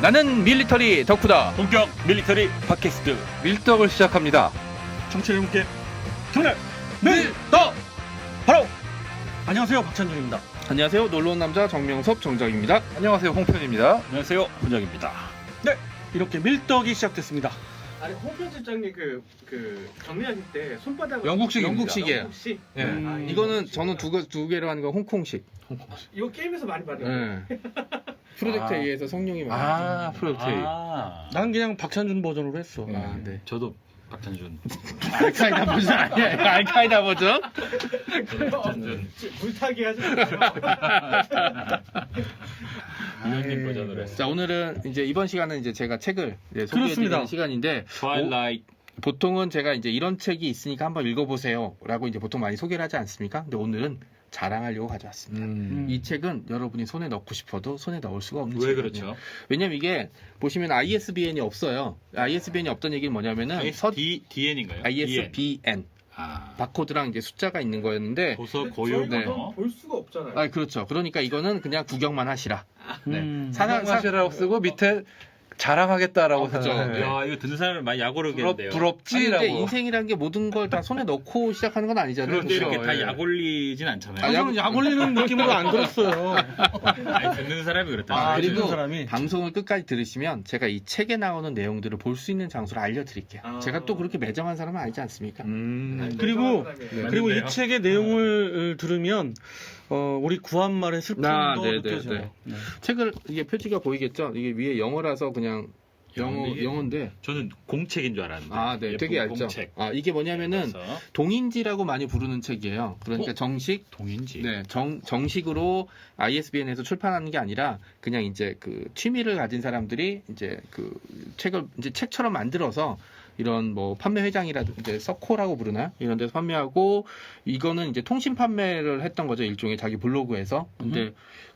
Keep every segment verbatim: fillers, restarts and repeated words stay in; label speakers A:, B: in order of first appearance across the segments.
A: 나는 밀리터리 덕후다.
B: 본격 밀리터리 팟캐스트
A: 밀떡을 시작합니다.
B: 청취자 여러분께 정말
A: 밀떡!
B: 바로 안녕하세요, 박찬준입니다.
A: 안녕하세요. 놀러온 남자 정명섭 정작입니다.
C: 안녕하세요, 홍편입니다.
B: 안녕하세요, 훈장입니다.
D: 네, 이렇게 밀떡이 시작됐습니다.
E: 아니 홍편 실장님 그, 그 정리하실 때 손바닥을
C: 영국식입니다.
A: 영국식이에요.
E: 영국식?
C: 예.
D: 음.
E: 아,
A: 이거는
E: 영국식.
A: 저는 두, 개- 두 개로 하는 건 홍콩식.
E: 이거 게임에서 많이 받아요.
A: 네. 프로젝트에
C: 아.
A: 의해서 성룡이 많아요.
C: 아, 프로젝트.
B: 아,
D: 난 그냥 박찬준 버전으로 했어.
A: 아, 네.
B: 저도 박찬준.
A: 알카이다 버전 아니야. 알카이다 버전?
B: 박찬준.
E: 물타기 하지 마세요.
B: 위원님 버전으로 했어.
A: 자, 오늘은 이제 이번 시간은 이제 제가 책을 이제
D: 그렇습니다.
A: 소개해드리는 시간인데
B: 트와일라이트.
A: 보통은 제가 이제 이런 책이 있으니까 한번 읽어보세요라고 이제 보통 많이 소개를 하지 않습니까? 근데 오늘은 자랑하려고 가져왔습니다.
C: 음.
A: 이 책은 여러분이 손에 넣고 싶어도 손에 넣을 수가 없는
B: 왜
A: 책이거든요.
B: 그렇죠?
A: 왜냐면 이게 보시면 아이에스비엔이 없어요. 아이에스비엔이 없던 얘기는 뭐냐면은 서
B: D DN인가요?
A: 아이에스비엔
B: 아,
A: 바코드랑 이제 숫자가 있는 거였는데
B: 도서 고유
A: 네.
B: 번호.
E: 볼 수가 없잖아요.
A: 아 그렇죠. 그러니까 이거는 그냥 구경만 하시라. 네.
D: 음.
A: 사나- 사-
C: 사랑하시라고 쓰고 밑에 자랑하겠다라고
A: 아, 그죠.
C: 생각해요.
B: 야, 이거 듣는 사람을 많이
C: 부럽,
B: 약오르겠는데요.
A: 아니,
C: 부럽지라고.
A: 이제 인생이라는 게 모든 걸 다 손에 넣고 시작하는 건 아니잖아요.
B: 그런데 이렇게
A: 그렇죠?
B: 다
A: 예.
B: 약올리진 않잖아요.
A: 아, 약-
D: 저는 약 올리는 느낌으로 안 들었어요.
B: 아니, 듣는 사람이 그렇다.
D: 아,
A: 그리고
D: 듣는 사람이.
A: 방송을 끝까지 들으시면 제가 이 책에 나오는 내용들을 볼 수 있는 장소를 알려드릴게요.
E: 아.
A: 제가 또 그렇게 매정한 사람은 아니지 않습니까?
C: 음.
E: 아니,
D: 그리고-
E: 사람이에요.
B: 네.
D: 그리고
B: 맞는데요?
D: 이 책의 내용을 들으면 어, 우리 구한말의 슬픔도
A: 아, 네, 네,
D: 느껴져요. 네.
A: 책을 이게 표지가 보이겠죠? 이게 위에 영어라서 그냥 영어
B: 이게-
A: 영어인데
B: 저는 공책인 줄 알았는데.
A: 아, 네,
B: 예쁜
A: 되게 얇죠.
B: 공책.
A: 아, 이게 뭐냐면은
B: 그래서
A: 동인지라고 많이 부르는 책이에요. 그러니까
B: 어?
A: 정식
B: 동인지.
A: 네, 정, 정식으로 아이에스비엔에서 출판하는 게 아니라 그냥 이제 그 취미를 가진 사람들이 이제 그 책을 이제 책처럼 만들어서 이런 뭐 판매 회장이라든지 이제 서코라고 부르나요? 이런 데서 판매하고 이거는 이제 통신 판매를 했던 거죠. 일종의 자기 블로그에서. 근데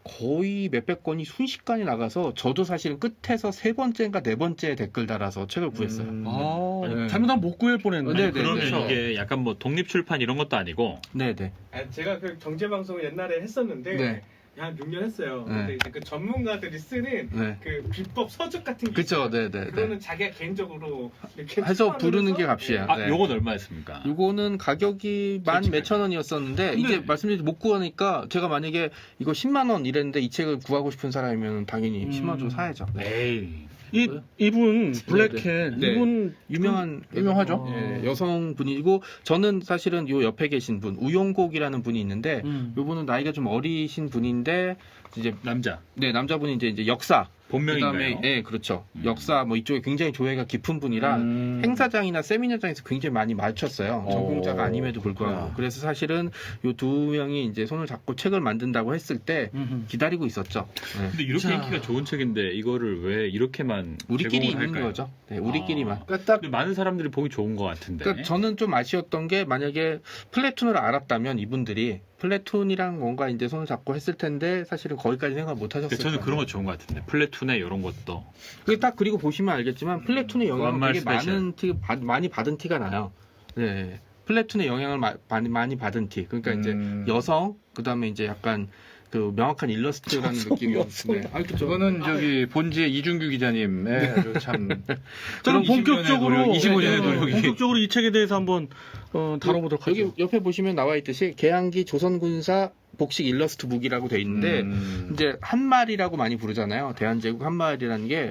A: 거의 몇백 건이 순식간에 나가서 저도 사실은 끝에서 세 번째인가 네 번째 댓글 달아서 책을 구했어요.
C: 음.
D: 아,
A: 네.
D: 잘못하면 못 구할 뻔했네.
A: 네, 네.
B: 그러면
A: 그렇죠.
B: 이게 약간 뭐 독립출판 이런 것도 아니고
A: 네, 네.
E: 아니, 제가 그 경제 방송을 옛날에 했었는데
A: 네.
E: 한 육 년 했어요.
A: 네.
E: 근데 이제 그 전문가들이 쓰는
A: 네.
E: 그 비법 서적 같은 게
A: 그쵸,
E: 있어요.
A: 네, 네, 네.
E: 그거는 자기가 개인적으로 이렇게
A: 해서
E: 출판을
A: 부르는 게
E: 해서
A: 값이야.
B: 아,
A: 네.
B: 요건 얼마였습니까?
A: 요거는 가격이 만 몇천 원이었었는데
D: 근데-
A: 이제 말씀드린 못 구하니까 제가 만약에 이거 십만 원 이랬는데 이 책을 구하고 싶은 사람이면 당연히
D: 음.
A: 십만 원 주고 사야죠. 네.
B: 에이.
D: 이 이분 블랙캣
A: 네.
D: 이분
A: 유명한
C: 유명하죠.
A: 예, 여성 분이고 저는 사실은 요 옆에 계신 분 우용곡이라는 분이 있는데
D: 음.
A: 요분은 나이가 좀 어리신 분인데 이제
B: 남자.
A: 네 남자분이 이제 이제 역사
B: 본명인가요?
A: 그다음에 예 그렇죠
B: 음.
A: 역사 뭐 이쪽에 굉장히 조예가 깊은 분이라
C: 음.
A: 행사장이나 세미나장에서 굉장히 많이 맞췄어요.
C: 어,
A: 전공자가 아님에도 불구하고.
C: 그렇구나.
A: 그래서 사실은 요 두 명이 이제 손을 잡고 책을 만든다고 했을 때
D: 음흠.
A: 기다리고 있었죠. 네.
B: 근데 이렇게
D: 자.
B: 인기가 좋은 책인데 이거를 왜 이렇게만
A: 우리끼리
B: 제공을
A: 있는
B: 할까요?
A: 거죠. 네, 우리끼리만.
B: 아.
C: 그러니까 딱
B: 근데 많은 사람들이 보기 좋은 것 같은데.
A: 그러니까 저는 좀 아쉬웠던 게 만약에 플래툰을 알았다면 이분들이 플래툰이랑 뭔가 이제 손을 잡고 했을 텐데 사실은 거기까지 생각 못 하셨을
B: 근데
A: 거예요.
B: 저는 그런 거 좋은 것 같은데. 플래툰에 이런 것도.
A: 그게 딱 그리고 보시면 알겠지만 플래툰의 영향을
B: 구한말
A: 되게
B: 스페셜.
A: 많은 티, 받- 많이 받은 티가 나요. 네. 플래툰의 영향을 마- 많이 많이 받은 티. 그러니까 이제
C: 음.
A: 여성 그다음에 이제 약간 그 명확한 일러스트라는 느낌이
D: 여성.
A: 네. 아니 그죠.
C: 저거는 저기 본지의 이준규 기자님의 아주 참
D: 저는
C: 그런 이십 년의
D: 본격적으로
C: 노력, 이십오 년의
D: 네,
C: 노력이
D: 본격적으로 이 책에 대해서 한번 어, 다뤄보도록 하죠.
A: 여기 옆에 보시면 나와 있듯이 개항기 조선군사 복식 일러스트 북이라고 돼 있는데
C: 음.
A: 이제 한말이라고 많이 부르잖아요. 대한제국 한말이라는 게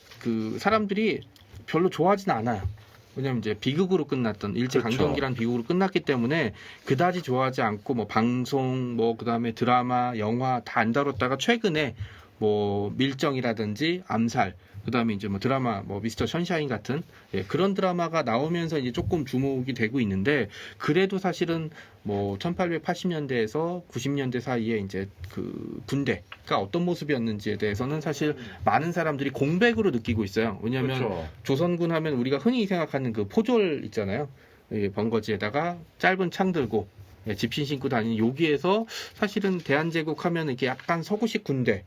A: 그 사람들이 별로 좋아하진 않아요. 왜냐면 이제 비극으로 끝났던 일제
C: 그렇죠.
A: 강점기란 비극으로 끝났기 때문에 그다지 좋아하지 않고 뭐 방송 뭐 그다음에 드라마, 영화 다 안 다뤘다가 최근에 뭐 밀정이라든지 암살 그다음에 이제 뭐 드라마 뭐 미스터 션샤인 같은 예, 그런 드라마가 나오면서 이제 조금 주목이 되고 있는데 그래도 사실은 뭐 천팔백팔십 년대에서 구십 년대 사이에 이제 그 군대가 어떤 모습이었는지에 대해서는 사실 많은 사람들이 공백으로 느끼고 있어요. 왜냐하면
C: 그렇죠.
A: 조선군 하면 우리가 흔히 생각하는 그 포졸 있잖아요. 예, 번거지에다가 짧은 창 들고 예, 집신 신고 다니는 여기에서 사실은 대한제국 하면 이렇게 약간 서구식 군대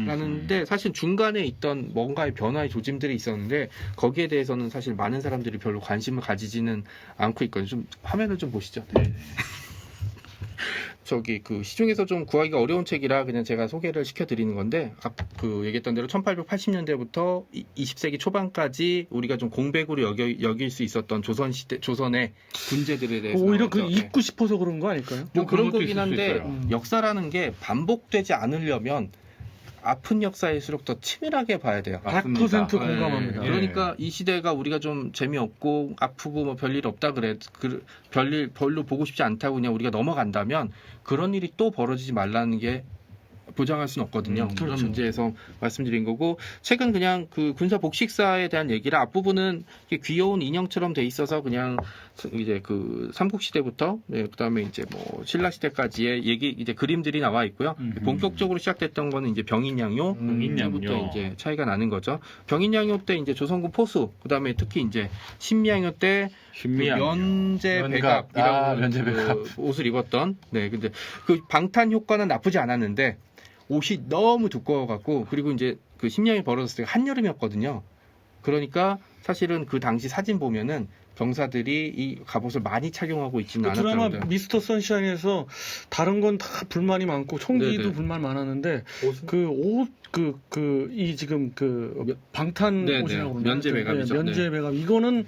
A: 라는데 사실 중간에 있던 뭔가의 변화의 조짐들이 있었는데 거기에 대해서는 사실 많은 사람들이 별로 관심을 가지지는 않고 있거든요. 좀 화면을 좀 보시죠. 네. 저기 그 시중에서 좀 구하기가 어려운 책이라 그냥 제가 소개를 시켜드리는 건데 앞 그 얘기했던 대로 천팔백팔십 년대부터 이십 세기 초반까지 우리가 좀 공백으로 여겨, 여길 수 있었던 조선 시대 조선의 군제들에 대해서
D: 오히려 그
A: 나오죠. 네.
D: 잊고 싶어서 그런 거 아닐까요?
A: 뭐
C: 그런
A: 그런
C: 것도
A: 거긴
C: 있을 수
A: 한데
C: 있어요.
D: 음.
A: 역사라는 게 반복되지 않으려면 아픈 역사일수록 더 치밀하게 봐야 돼요.
D: 백 퍼센트
C: 맞습니다.
D: 공감합니다.
C: 예.
A: 그러니까 이 시대가 우리가 좀 재미없고 아프고 뭐 별일 없다 그래 그 별일 별로 보고 싶지 않다고 그냥 우리가 넘어간다면 그런 일이 또 벌어지지 말라는 게 보장할 수는 없거든요.
C: 음,
A: 그런
D: 그렇죠.
A: 문제에서 말씀드린 거고 책은 그냥 그 군사 복식사에 대한 얘기라 앞부분은 이렇게 귀여운 인형처럼 돼 있어서 그냥 이제 그 삼국 시대부터 네, 그다음에 이제 뭐 신라 시대까지의 얘기 이제 그림들이 나와 있고요.
B: 음흠.
A: 본격적으로 시작됐던 거는 이제 병인양요.
C: 음,
B: 병인양요.
A: 부터 이제 차이가 나는 거죠. 병인양요 때 이제 조선군 포수, 그다음에 특히 이제 신미양요 때
B: 신미양.
A: 그 면제
C: 면갑.
A: 백압이라고
C: 아,
A: 하는
C: 면제
A: 그
C: 백압.
A: 옷을 입었던. 네, 근데 그 방탄 효과는 나쁘지 않았는데 옷이 너무 두꺼워갖고 그리고 이제 그 신명이 벌어졌을 때 한여름이었거든요. 그러니까 사실은 그 당시 사진 보면은 병사들이 이 갑옷을 많이 착용하고 있지는
D: 그 드라마
A: 않았다고.
D: 미스터 선샤인에서 다른 건 다 불만이 많고 총기도
A: 네네.
D: 불만 많았는데
A: 옷은?
D: 그 옷 그 그 이 지금 그 방탄
A: 네네.
D: 옷이라고 그러나요?
A: 면제 백압이죠.
D: 네, 면제 백압 이거는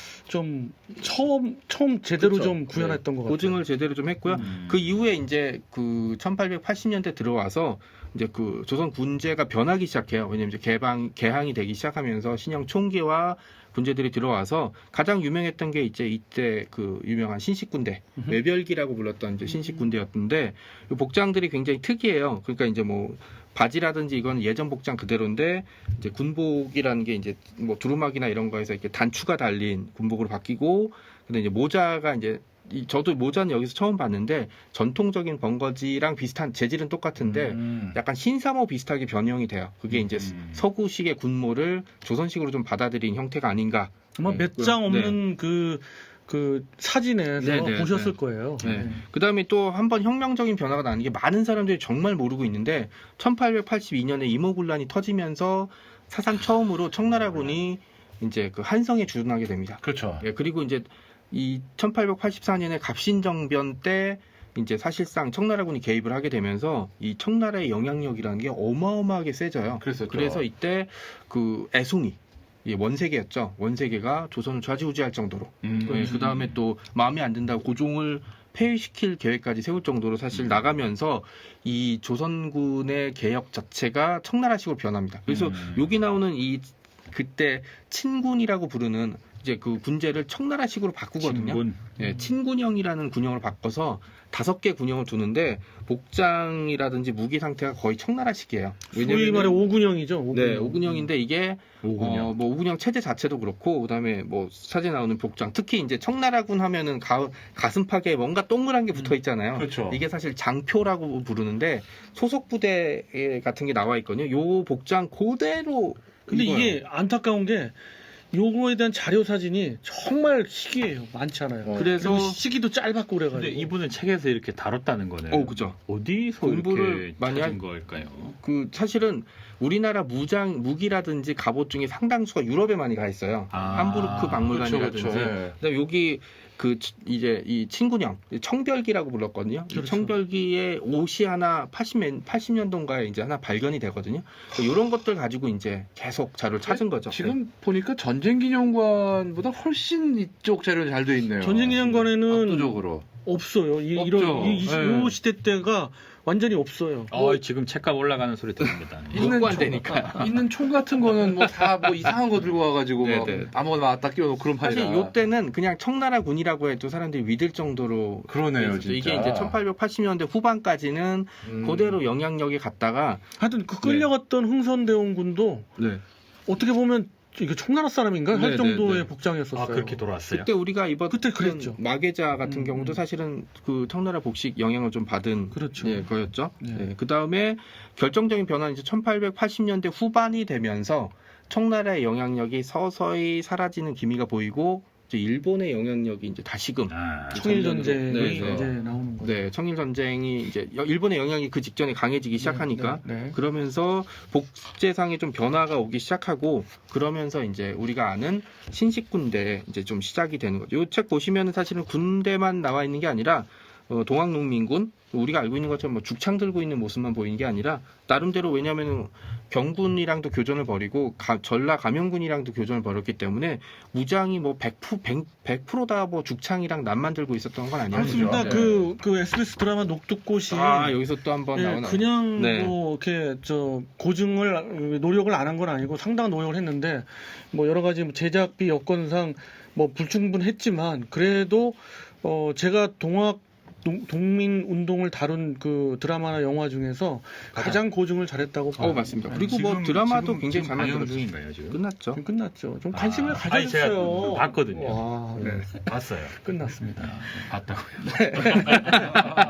D: 좀 처음 처음 제대로
A: 그쵸.
D: 좀 구현했던 것 같아요.
A: 고증을 제대로 좀 했고요.
B: 음.
A: 그 이후에 이제 그 천팔백팔십 년대 들어와서 이제 그 조선 군제가 변하기 시작해요. 왜냐면 이제 개방 개항이 되기 시작하면서 신형 총기와 군제들이 들어와서 가장 유명했던 게 이제 이때 그 유명한 신식군대
D: 음흠.
A: 외별기라고 불렀던 이제 신식군대였는데 이 복장들이 굉장히 특이해요. 그러니까 이제 뭐 바지라든지 이건 예전 복장 그대로인데 이제 군복이라는 게 이제 뭐 두루마기나 이런 거에서 이렇게 단추가 달린 군복으로 바뀌고 근데 이제 모자가 이제 이 저도 모자는 여기서 처음 봤는데 전통적인 번거지랑 비슷한 재질은 똑같은데
C: 음.
A: 약간 신사모 비슷하게 변형이 돼요. 그게 이제
B: 음.
A: 서구식의 군모를 조선식으로 좀 받아들인 형태가 아닌가.
D: 아마
A: 네,
D: 몇 장
A: 네.
D: 없는 그, 그 사진에서
A: 네, 네,
D: 보셨을
A: 네.
D: 거예요.
A: 네. 그 다음에 또 한 번 혁명적인 변화가 나는 게 많은 사람들이 정말 모르고 있는데 천팔백팔십이 년에 임오군란이 터지면서 사상 처음으로 청나라군이 이제 그 한성에 주둔하게 됩니다.
C: 그렇죠.
A: 예, 그리고 이제 이 천팔백팔십사 년에 갑신정변 때 이제 사실상 청나라군이 개입을 하게 되면서 이 청나라의 영향력이라는 게 어마어마하게 세져요.
C: 그랬었죠.
A: 그래서 이때 그 애송이 이 원세계였죠. 원세계가 조선을 좌지우지할 정도로.
B: 음.
A: 그 다음에 또 마음에 안 든다고 고종을 폐위시킬 계획까지 세울 정도로 사실
B: 음.
A: 나가면서 이 조선군의 개혁 자체가 청나라식으로 변합니다. 그래서
B: 음.
A: 여기 나오는 이 그때 친군이라고 부르는 이제 그 군제를 청나라식으로 바꾸거든요.
B: 친군.
A: 예, 친군형이라는 군형을 바꿔서 다섯 개 군형을 두는데 복장이라든지 무기 상태가 거의 청나라식이에요.
D: 소위 말해 오군형이죠. 오군형.
A: 네, 오군형인데 이게
B: 오군형.
A: 어, 뭐 오군형 체제 자체도 그렇고 그다음에 뭐 사진 나오는 복장 특히 이제 청나라군 하면은 가, 가슴팍에 뭔가 동그란 게 붙어 있잖아요.
C: 그렇죠.
A: 이게 사실 장표라고 부르는데 소속 부대 같은 게 나와 있거든요. 요 복장 그대로
D: 근데
A: 입어요.
D: 이게 안타까운 게 요거에 대한 자료 사진이 정말 시기예요. 많지 않아요.
C: 어.
A: 그래서
D: 그리고 시기도 짧았고 그래가지고.
B: 근데 이분은 책에서 이렇게 다뤘다는 거네요.
A: 어 그죠.
B: 어디서
A: 공부를
B: 이렇게
A: 많이
B: 찾은
A: 할-
B: 걸까요?
A: 그 사실은 우리나라 무장 무기라든지 갑옷 중에 상당수가 유럽에 많이 가 있어요.
B: 아,
A: 함부르크 박물관이라든지.
C: 그렇죠, 그렇죠. 예.
A: 그다음에 여기 그 치- 이제 이 친군형 청별기라고 불렀거든요. 이
D: 그렇죠.
A: 청별기에 옷이 하나 팔십 년도인가에 이제 하나 발견이 되거든요. 이런 것들 가지고 이제 계속 자료를 찾은 거죠.
C: 지금 보니까 전쟁기념관보다 훨씬 이쪽 자료는 잘 돼 있네요.
D: 전쟁기념관에는
C: 압도적으로.
D: 없어요. 이,
C: 없죠.
D: 이런 이, 이,
C: 네.
D: 요 시대 때가 완전히 없어요.
B: 어, 지금 책값 올라가는 소리 들립니다.
C: 있는
A: 못
C: 총,
A: 구한다니까.
C: 있는 총 같은 거는 뭐 다 뭐 이상한 거 들고 와가지고 뭐
A: 네네.
C: 아무거나 왔다 끼워놓고 그런
A: 사실
C: 판이라.
A: 이때는 그냥 청나라 군이라고 해도 사람들이 믿을 정도로
C: 그러네요,
A: 있었죠.
C: 진짜.
A: 이게 이제 천팔백팔십 년대 후반까지는
C: 음.
A: 그대로 영향력이 갔다가
D: 하여튼 그 끌려갔던 흥선대원군도
A: 네.
D: 어떻게 보면 이게 청나라 사람인가 할
A: 네,
D: 정도의
A: 네, 네.
D: 복장이었었어요.
B: 아, 그렇게 돌아왔어요?
A: 그때 우리가 입었던
D: 그때 그랬죠.
A: 마계자 같은
D: 음,
A: 경우도
D: 음.
A: 사실은 그 청나라 복식 영향을 좀 받은
D: 그렇죠.
A: 예, 거였죠.
D: 네.
A: 그 다음에 결정적인 변화는 이제 천팔백팔십 년대 후반이 되면서 청나라의 영향력이 서서히 사라지는 기미가 보이고 이제 일본의 영향력이 이제 다시금
B: 아,
D: 청일 전쟁이
A: 네, 네.
D: 이제 나오는 거죠.
A: 네, 청일 전쟁이 이제 여- 일본의 영향이 그 직전에 강해지기 시작하니까
D: 네, 네.
A: 그러면서 복제상에 좀 변화가 오기 시작하고 그러면서 이제 우리가 아는 신식 군대 이제 좀 시작이 되는 거죠. 이 책 보시면은 사실은 군대만 나와 있는 게 아니라 어, 동학농민군 우리가 알고 있는 것처럼 뭐 죽창 들고 있는 모습만 보이는 게 아니라 나름대로 왜냐하면 경군이랑도 교전을 벌이고 가, 전라 감영군이랑도 교전을 벌였기 때문에 무장이 뭐 백 퍼센트 다 뭐 죽창이랑 남만 들고 있었던 건 아니에요.
D: 맞습니다.
A: 네.
D: 그, 그 에스비에스 드라마 녹두꽃이
A: 아 여기서 또 한번
D: 예,
A: 나오나
D: 그냥
A: 네.
D: 뭐 이렇게 저 고증을 노력을 안 한 건 아니고 상당한 노력을 했는데 뭐 여러 가지 제작비 여건상 뭐 불충분했지만 그래도 어 제가 동학 동, 동민 운동을 다룬 그 드라마나 영화 중에서 가장 고증을 잘했다고 봐요.
A: 어 맞습니다.
B: 아니,
A: 그리고 뭐
B: 지금-
A: 드라마도
B: 지금-
A: 굉장히
B: 지금
A: 잘
B: 방영
A: 만들었죠.
B: 중인가요 지금?
A: 끝났죠.
D: 지금 끝났죠. 좀 관심을
B: 아,
D: 가져주세요.
B: 아니, 제가 봤거든요.
D: 와, 네.
B: 봤어요.
D: 끝났습니다.
B: 봤다고요.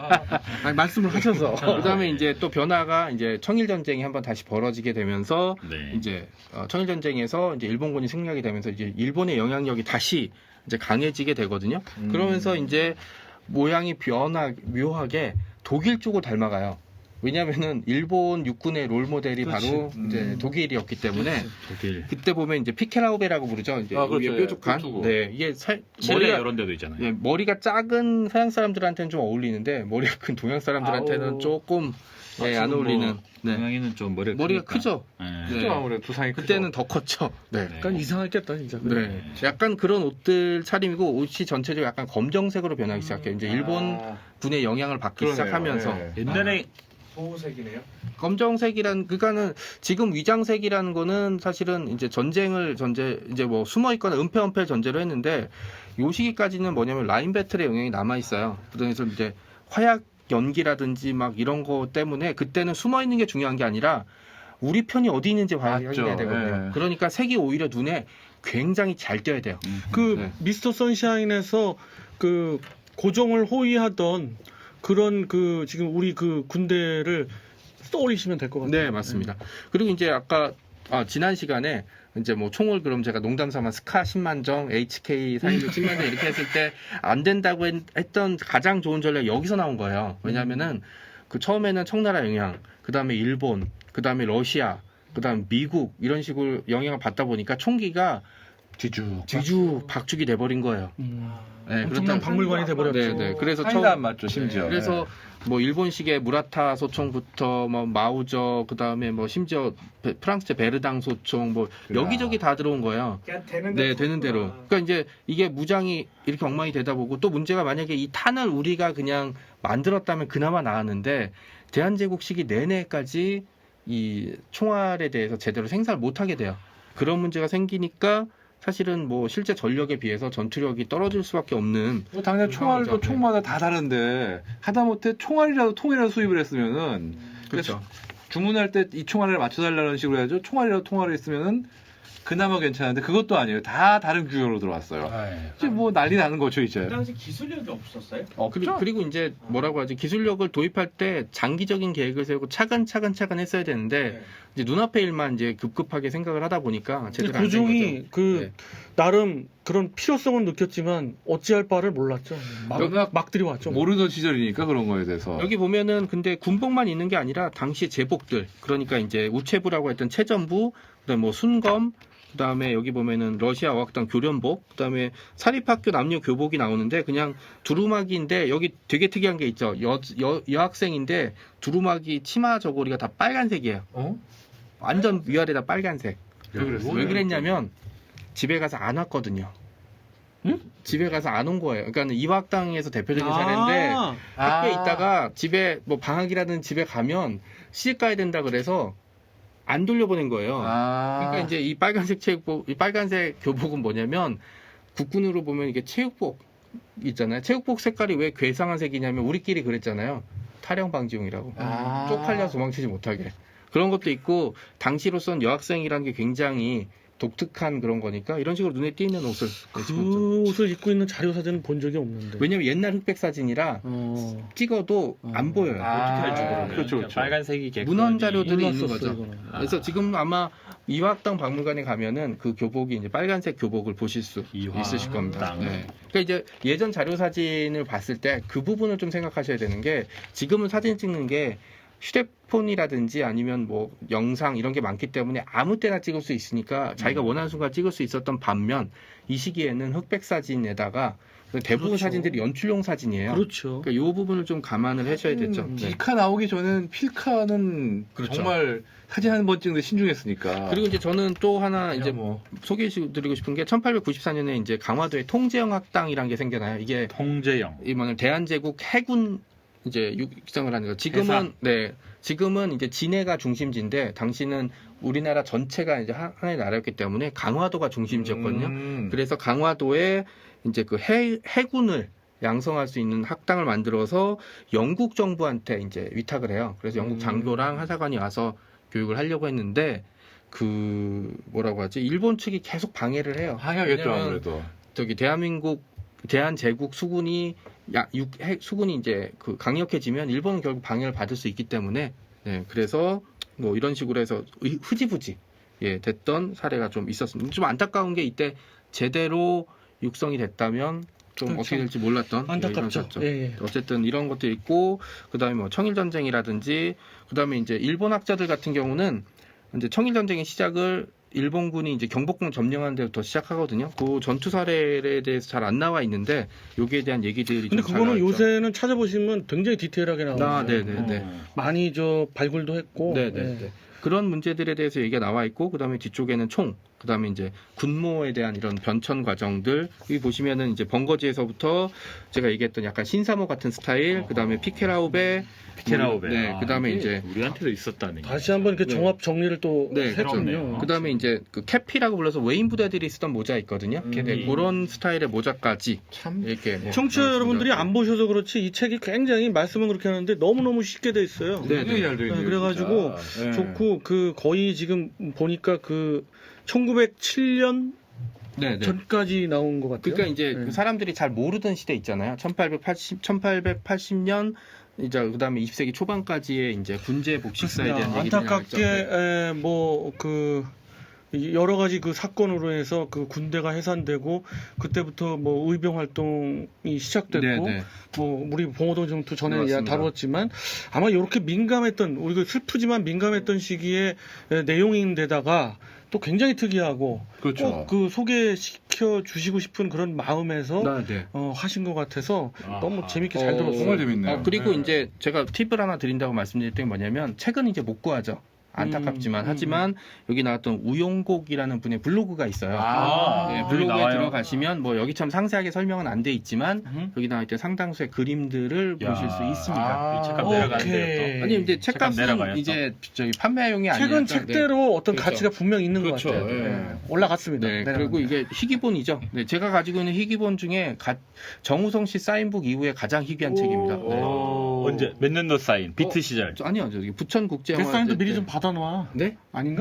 D: 아니, 말씀을 하셔서.
A: 그다음에 이제 또 변화가 이제 청일 전쟁이 한번 다시 벌어지게 되면서
B: 네.
A: 이제 어, 청일 전쟁에서 이제 일본군이 승리하게 되면서 이제 일본의 영향력이 다시 이제 강해지게 되거든요.
C: 음.
A: 그러면서 이제 모양이 변화 묘하게 독일 쪽을 닮아가요. 왜냐하면은 일본 육군의 롤 모델이
C: 그렇지.
A: 바로
C: 음.
A: 이제 독일이었기 때문에
B: 독일,
A: 그때 보면 이제 피켈라우베라고 부르죠. 이제
C: 아, 그렇죠.
A: 위에 뾰족한.
C: 예, 뾰족하고.
A: 네, 이게 살,
B: 칠레
A: 머리가
B: 이런 데도 있잖아요.
A: 예, 머리가 작은 서양 사람들한테는 좀 어울리는데 머리가 큰 동양 사람들한테는
C: 아우.
A: 조금
B: 아,
A: 예, 안
B: 지금
A: 어울리는.
B: 뭐
A: 네.
B: 동양인은 좀 머리가
A: 머리가
B: 크니까.
A: 크죠.
B: 네.
A: 네.
C: 크죠, 아무래도 두상이 크죠.
A: 그때는 더 컸죠. 네.
B: 네.
D: 약간 이상했겠다 진짜.
A: 네. 약간 그런 옷들 차림이고 옷이 전체적으로 약간 검정색으로 변하기 시작해요. 이제 일본
C: 아,
A: 군의 영향을 받기
C: 그러네요.
A: 시작하면서
C: 네.
B: 옛날에
E: 보호색이네요.
A: 검정색이란 그러니까는 지금 위장색이라는 거는 사실은 이제 전쟁을 전제 이제 뭐 숨어 있거나 은폐은폐 전제로 했는데 요 시기까지는 뭐냐면 라인 배틀의 영향이 남아 있어요. 그래서 이제 화약 연기라든지 막 이런 거 때문에 그때는 숨어 있는 게 중요한 게 아니라 우리 편이 어디 있는지
C: 맞죠.
A: 확인해야 되거든요.
C: 네.
A: 그러니까 색이 오히려 눈에 굉장히 잘 띄어야 돼요.
D: 그
A: 네.
D: 미스터 선샤인에서 그 고종을 호위하던 그런 그 지금 우리 그 군대를 떠올리시면 될 것 같아요.
A: 네, 맞습니다. 그리고 이제 아까 아, 지난 시간에 이제 뭐 총을 그럼 제가 농담 삼아 스카 십만 정, 에이치케이 사십육 십만 정 이렇게 했을 때 안 된다고 했, 했던 가장 좋은 전략이 여기서 나온 거예요. 왜냐면은 그 처음에는 청나라 영향, 그 다음에 일본, 그 다음에 러시아, 그 다음 미국 이런 식으로 영향을 받다 보니까 총기가
C: 뒤죽.
A: 뒤주 박죽이 돼버린 거예요.
D: 음.
A: 네,
D: 엄청난
A: 그렇다-
D: 박물관이 돼버렸죠.
A: 네, 네. 그래서
C: 사이다
A: 처음
C: 안 맞죠, 심지어.
A: 그래서 뭐 일본식의 무라타 소총부터 뭐 마우저 그다음에 뭐 심지어 베- 프랑스의 베르당 소총 뭐
C: 그래.
A: 여기저기 다 들어온 거예요.
E: 그냥 되는 대로.
A: 네, 되는 대로. 그러니까 이제 이게 무장이 이렇게 엉망이 되다 보고 또 문제가 만약에 이 탄을 우리가 그냥 만들었다면 그나마 나았는데 대한제국 시기 내내까지 이 총알에 대해서 제대로 생산을 못 하게 돼요. 그런 문제가 생기니까 사실은 뭐 실제 전력에 비해서 전투력이 떨어질 수밖에 없는
C: 뭐 당장 총알도
A: 상황이죠.
C: 총마다 다 다른데 하다못해 총알이라도 통이라도 수입을 했으면은
A: 그렇죠.
C: 주문할 때 이 총알을 맞춰달라는 식으로 해야죠. 총알이라도 통화를 했으면은 그나마 괜찮은데 그것도 아니에요. 다 다른 규격으로 들어왔어요. 이제 뭐 난리 나는 거죠
E: 그
C: 이제.
E: 당시 기술력이 없었어요?
A: 그리고, 그리고 이제 뭐라고 하지 기술력을 도입할 때 장기적인 계획을 세우고 차근차근 차근 했어야 되는데
E: 네.
A: 이제 눈앞의 일만 이제 급급하게 생각을 하다 보니까 제대로 안된
D: 고종이
A: 거죠.
D: 그
A: 네.
D: 나름 그런 필요성은 느꼈지만 어찌할 바를 몰랐죠. 막,
C: 워낙
D: 막 들이왔죠.
C: 모르던 시절이니까 그런 거에 대해서.
A: 여기 보면은 근데 군복만 있는 게 아니라 당시 제복들 그러니까 이제 우체부라고 했던 체전부 그다음에 뭐 순검 그다음에 여기 보면은 러시아 어학당 교련복 그다음에 사립학교 남녀 교복이 나오는데 그냥 두루마기인데 여기 되게 특이한 게 있죠. 여, 여, 여학생인데 두루마기 치마 저고리가 다 빨간색이에요.
C: 어?
A: 완전 위아래다 빨간색.
C: 왜 그랬어요?
A: 왜 그랬냐면 집에 가서 안 왔거든요.
D: 응?
A: 집에 가서 안 온 거예요. 그러니까 이화학당에서 대표적인
D: 아,
A: 사례인데 학교에
C: 아.
A: 있다가 집에 뭐 방학이라든 집에 가면 시집 가야 된다 그래서 안 돌려보낸 거예요.
C: 아.
A: 그러니까 이제 이 빨간색 체육복, 이 빨간색 교복은 뭐냐면 국군으로 보면 이게 체육복 있잖아요. 체육복 색깔이 왜 괴상한 색이냐면 우리끼리 그랬잖아요. 타령 방지용이라고.
C: 아.
A: 쪽팔려 도망치지 못하게. 그런 것도 있고 당시로선 여학생이라는 게 굉장히 독특한 그런 거니까 이런 식으로 눈에 띄는 옷을
D: 그 옷을 입고 있는 자료 사진은 본 적이 없는데.
A: 왜냐면 옛날 흑백 사진이라
D: 어,
A: 찍어도 안
D: 어.
A: 보여요.
C: 아,
A: 어떻게 할지 모르고.
C: 그렇죠, 그렇죠.
B: 빨간색이 개콘이
A: 문헌 자료들이 있는
D: 몰랐었어,
A: 거죠.
D: 이거는.
A: 그래서 지금 아마 이화학당 박물관에 가면은 그 교복이 이제 빨간색 교복을 보실 수
B: 이화학당.
A: 있으실 겁니다. 네. 그러니까 이제 예전 자료 사진을 봤을 때 그 부분을 좀 생각하셔야 되는 게 지금은 사진 찍는 게 휴대폰이라든지 아니면 뭐 영상 이런 게 많기 때문에 아무 때나 찍을 수 있으니까 자기가 원하는 순간 찍을 수 있었던 반면 이 시기에는 흑백 사진에다가 대부분
D: 그렇죠.
A: 사진들이 연출용 사진이에요.
D: 그렇죠.
A: 그러니까 이 부분을 좀 감안을 하셔야 되죠. 네.
C: 디카 나오기 전에는 필카는
B: 그렇죠.
C: 정말 사진 한 번 찍는데 신중했으니까.
A: 그리고 이제 저는 또 하나 이제
C: 뭐
A: 소개해드리고 싶은 게 천팔백구십사 년에 이제 강화도에 통제영 학당이라는 게 생겨나요. 이게
B: 통제영.
A: 이 뭐냐면 대한제국 해군 이제 육성을 하는 거. 지금은
B: 해상.
A: 네 지금은 이제 진해가 중심지인데 당시는 우리나라 전체가 이제 하- 하나의 나라였기 때문에 강화도가 중심지였거든요.
C: 음.
A: 그래서 강화도에 이제 그 해, 해군을 양성할 수 있는 학당을 만들어서 영국 정부한테 이제 위탁을 해요. 그래서 영국
C: 음.
A: 장교랑 하사관이 와서 교육을 하려고 했는데 그 뭐라고 하지? 일본 측이 계속 방해를 해요.
C: 하야겠죠
A: 왜냐면
C: 아무래도.
A: 저기 대한민국 대한제국 수군이 야, 육, 해, 수군이 이제 그 강력해지면 일본은 결국 방해를 받을 수 있기 때문에 네, 그래서 뭐 이런 식으로 해서 의- 흐지부지 예, 됐던 사례가 좀 있었습니다. 좀 안타까운 게 이때 제대로 육성이 됐다면 좀
D: 그렇죠.
A: 어떻게 될지 몰랐던
D: 안타깝죠.
A: 예, 이런
D: 예, 예.
A: 어쨌든 이런 것도 있고 그다음에 뭐 청일 전쟁이라든지 그다음에 이제 일본 학자들 같은 경우는 이제 청일 전쟁의 시작을 일본군이 이제 경복궁 점령한 데부터 시작하거든요. 그 전투 사례에 대해서 잘 안 나와 있는데 여기에 대한 얘기들이
D: 근데
A: 좀 잘
D: 그거는
A: 나와 있죠.
D: 요새는 찾아보시면 굉장히 디테일하게 나오죠.
A: 아, 네네네.
B: 어.
D: 많이 저 발굴도 했고.
A: 네네.
D: 예.
A: 그런 문제들에 대해서 얘기가 나와 있고 그다음에 뒤쪽에는 총, 그다음에 이제 군모에 대한 이런 변천 과정들 여기 보시면은 이제 번거지에서부터 제가 얘기했던 약간 신사모 같은 스타일, 그다음에 피케라우베,
B: 피케라우베.
A: 네,
B: 아,
A: 그다음에
B: 이게
A: 이제
B: 우리한테도 있었다는.
D: 다시 한번 그
A: 네.
D: 종합 정리를 또
A: 네,
D: 했군요.
B: 그렇네요.
A: 그다음에 이제 그 캐피라고 불러서 외인 부대들이 쓰던 모자 있거든요.
C: 음.
A: 네, 그런 스타일의 모자까지
C: 참
A: 이렇게 뭐
D: 청취자
A: 나왔습니다.
D: 여러분들이 안 보셔서 그렇지 이 책이 굉장히 말씀은 그렇게 하는데 너무너무 쉽게 돼 있어요.
A: 네,
C: 굉장히 잘 되어
D: 네,
C: 있네요.
D: 그래가지고
C: 진짜. 네.
D: 좋고 그 거의 지금 보니까 그 천구백칠 년
A: 네, 네.
D: 전까지 나온 것 같아요.
A: 그러니까 이제
D: 네.
A: 그 사람들이 잘 모르던 시대 있잖아요. 천팔백팔십, 천팔백팔십 년 이제 그다음에 이십 세기 초반까지의 이제 군제 복식사에 대한
D: 그렇습니다.
A: 얘기들이
D: 안타깝게
A: 나왔죠. 네.
D: 뭐 그 여러 가지 그 사건으로 해서 그 군대가 해산되고 그때부터 뭐 의병 활동이 시작됐고
A: 네, 네.
D: 뭐 우리 봉오동 정투 전에
A: 네,
D: 야
A: 맞습니다.
D: 다뤘지만 아마 이렇게 민감했던 우리 그 슬프지만 민감했던 시기에 에, 내용인데다가 또 굉장히 특이하고
C: 그렇죠.
D: 꼭 그 소개시켜 주시고 싶은 그런 마음에서
A: 네, 네.
D: 어, 하신 것 같아서
B: 아하.
D: 너무 재밌게 잘
A: 어,
D: 들었어요.
C: 정말 재밌네요.
A: 어, 그리고
C: 네.
A: 이제 제가 팁을 하나 드린다고 말씀드릴 때 뭐냐면 책은 이제 못 구하죠. 안타깝지만
D: 음, 음,
A: 하지만 여기 나왔던 우용곡이라는 분의 블로그가 있어요.
C: 아,
A: 네,
B: 여기
A: 블로그에
B: 나와요?
A: 들어가시면 뭐 여기처럼 상세하게 설명은 안 돼 있지만
D: 음.
A: 여기 나와 있던 상당수의 그림들을
B: 야.
A: 보실 수 있습니다.
C: 아,
B: 이 책값
D: 오케이.
B: 내려가는데요. 또.
A: 아니 근데
B: 책값
A: 책값은
B: 내려가요, 또.
A: 이제 저기 판매용이 아니라
D: 책은 책대로 어떤
A: 그렇죠.
D: 가치가 분명 있는
C: 그렇죠.
D: 것 같아요.
C: 예.
D: 네. 올라갔습니다.
A: 네,
D: 내려갑니다.
A: 그리고 이게 희귀본이죠. 네, 제가 가지고 있는 희귀본 중에 가- 정우성 씨 사인북 이후에 가장 희귀한 책입니다. 네.
C: 오.
B: 언제 몇 년도 사인 비트
A: 어,
B: 시절.
A: 저- 아니요, 저기 부천 국제
D: 그
A: 영화
D: 사인도 미리 좀 받아놔.
A: 네?
D: 아닌가?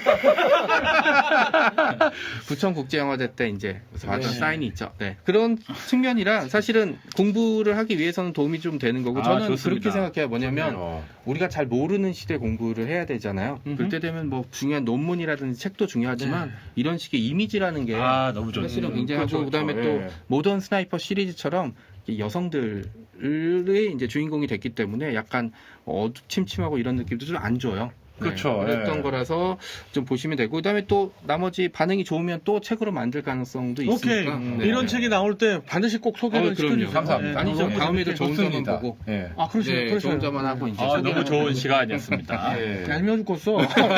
A: 부천 국제 영화제 때 이제 받은
D: 네.
A: 사인이 있죠. 네. 그런 측면이라 사실은 공부를 하기 위해서는 도움이 좀 되는 거고
B: 아,
A: 저는
B: 좋습니다.
A: 그렇게 생각해요. 뭐냐면
C: 어.
A: 우리가 잘 모르는 시대 공부를 해야 되잖아요.
D: 음흠.
A: 그럴 때 되면 뭐 중요한 논문이라든지 책도 중요하지만
D: 네.
A: 이런 식의 이미지라는 게
B: 아 너무 좋네.
A: 사실은
C: 음,
A: 굉장하고
C: 그렇죠,
A: 그다음에
C: 그렇죠.
A: 또
C: 예.
A: 모던 스나이퍼 시리즈처럼 이 여성들의 이제 주인공이 됐기 때문에 약간 어두침침하고 이런 느낌도 좀 안 줘요. 네,
C: 그렇죠,
A: 그랬던
C: 예.
A: 거라서 좀 보시면 되고 그다음에 또 나머지 반응이 좋으면 또 책으로 만들 가능성도
D: 오케이.
A: 있으니까 네.
D: 이런 책이 나올 때 반드시 꼭 소개를
A: 어, 그럼요.
D: 시켜주세요.
C: 감사합니다.
A: 아니죠.
D: 너무
A: 다음에도
D: 재밌게.
A: 좋은 점만
C: 좋습니다.
A: 보고
C: 예.
D: 아, 그러시죠.
A: 네,
D: 그러시죠.
A: 좋은 점만 하고 이제
B: 아
A: 소개를
B: 너무 좋은
A: 하고.
B: 시간이었습니다.
C: 예.
D: 얄미워 죽겠어.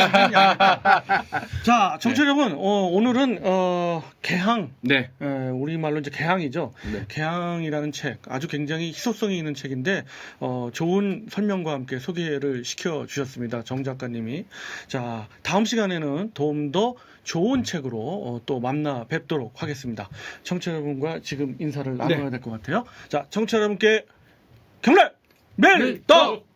D: 자, 청취자 여러분, 어, 오늘은 어, 개항,
A: 네.
D: 에, 우리 말로 이제 개항이죠.
A: 네.
D: 개항이라는 책, 아주 굉장히 희소성이 있는 책인데 어, 좋은 설명과 함께 소개를 시켜 주셨습니다. 정 작가님이. 자, 다음 시간에는 좀 더 좋은 책으로 어, 또 만나 뵙도록 하겠습니다. 청취자 여러분과 지금 인사를 나눠야 될 것 같아요. 자, 청취자 여러분께 경례! 멜떡!